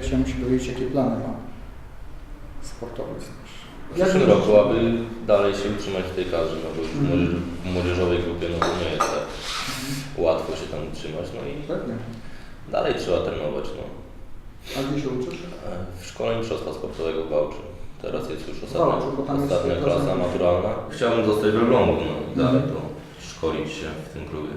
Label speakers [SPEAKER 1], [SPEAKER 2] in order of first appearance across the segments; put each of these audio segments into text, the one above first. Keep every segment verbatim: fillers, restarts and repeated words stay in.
[SPEAKER 1] Chciałem się dowiedzieć, jakie plany ma sportowe.
[SPEAKER 2] W przyszłym roku, aby dalej się utrzymać w tej kadrze, no bo już w młodzież, w młodzieżowej grupie no to nie jest tak łatwo się tam utrzymać, no i
[SPEAKER 1] Pewnie.
[SPEAKER 2] dalej trzeba trenować, no.
[SPEAKER 1] A gdzie się uczysz?
[SPEAKER 2] W Szkole Mistrzostwa Sportowego w Wałczy. Teraz jest już
[SPEAKER 1] Wałczu,
[SPEAKER 2] ostatnia,
[SPEAKER 1] bo tam jest
[SPEAKER 2] ostatnia
[SPEAKER 1] klasa-
[SPEAKER 2] klasa maturalna. Chciałbym zostać w Elblągu, no i dalej to szkolić się w tym klubie.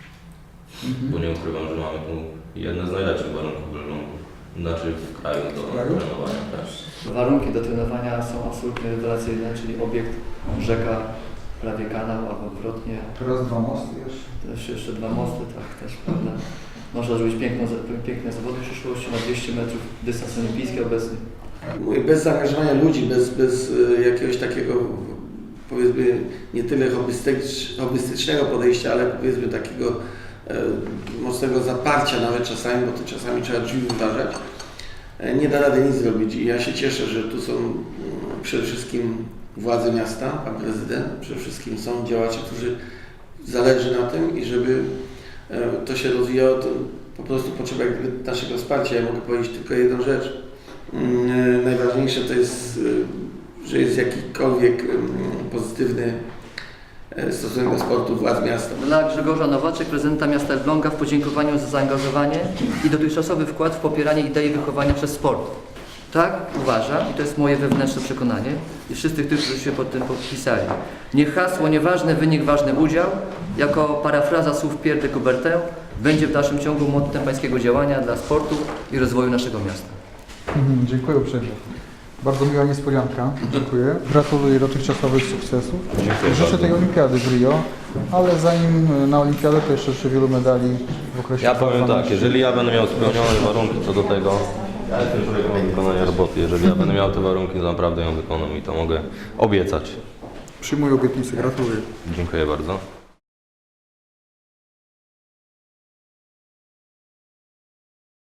[SPEAKER 2] Bo nie ukrywam, że mamy tu jedne z najlepszych warunków w Elblągu. Znaczy w kraju do
[SPEAKER 1] kraju?
[SPEAKER 2] trenowania też.
[SPEAKER 3] Warunki do trenowania są absolutnie rewelacyjne, czyli obiekt rzeka, prawie kanał albo odwrotnie.
[SPEAKER 1] Teraz dwa mosty jeszcze.
[SPEAKER 3] Też jeszcze dwa mosty, tak też, prawda. Można zrobić piękną, piękne zawody w przyszłości na dwieście metrów, dystans olimpijski obecny.
[SPEAKER 4] Mówię, bez zaangażowania ludzi, bez, bez y, jakiegoś takiego, powiedzmy, nie tyle hobbystycz, hobbystycznego podejścia, ale powiedzmy takiego e, mocnego zaparcia nawet czasami, bo to czasami trzeba drzwi wyważać, e, nie da rady nic zrobić. I ja się cieszę, że tu są mm, przede wszystkim władze miasta, pan prezydent, przede wszystkim są działacze, którzy zależy na tym i żeby e, to się rozwijało, to po prostu potrzeba jakby naszego wsparcia. Ja mogę powiedzieć tylko jedną rzecz. Najważniejsze to jest, że jest jakikolwiek pozytywny stosunek do sportu władz miasta.
[SPEAKER 3] Dla Grzegorza Nowaczek, prezydenta miasta Elbląga, w podziękowaniu za zaangażowanie i dotychczasowy wkład w popieranie idei wychowania przez sport. Tak uważam i to jest moje wewnętrzne przekonanie i wszystkich tych, którzy się pod tym podpisali. Niech hasło nieważny wynik, ważny udział, jako parafraza słów Pierre de Coubertin, będzie w dalszym ciągu mottem pańskiego działania dla sportu i rozwoju naszego miasta.
[SPEAKER 1] Mhm, dziękuję uprzejmie. Bardzo miła niespodzianka. Dziękuję. Gratuluję dotychczasowych sukcesów.
[SPEAKER 2] Dziękuję
[SPEAKER 1] Życzę
[SPEAKER 2] bardzo.
[SPEAKER 1] tej olimpiady w Rio, ale zanim na olimpiadę to jeszcze życzę wielu medali w okresie
[SPEAKER 2] Ja powiem
[SPEAKER 1] trwania.
[SPEAKER 2] tak, jeżeli ja będę miał spełnione warunki co do tego, ja jestem człowiekiem do wykonania roboty, jeżeli ja będę miał te warunki, to naprawdę ją wykonam i to mogę obiecać.
[SPEAKER 1] Przyjmuję obietnicę. Gratuluję.
[SPEAKER 2] Dziękuję bardzo.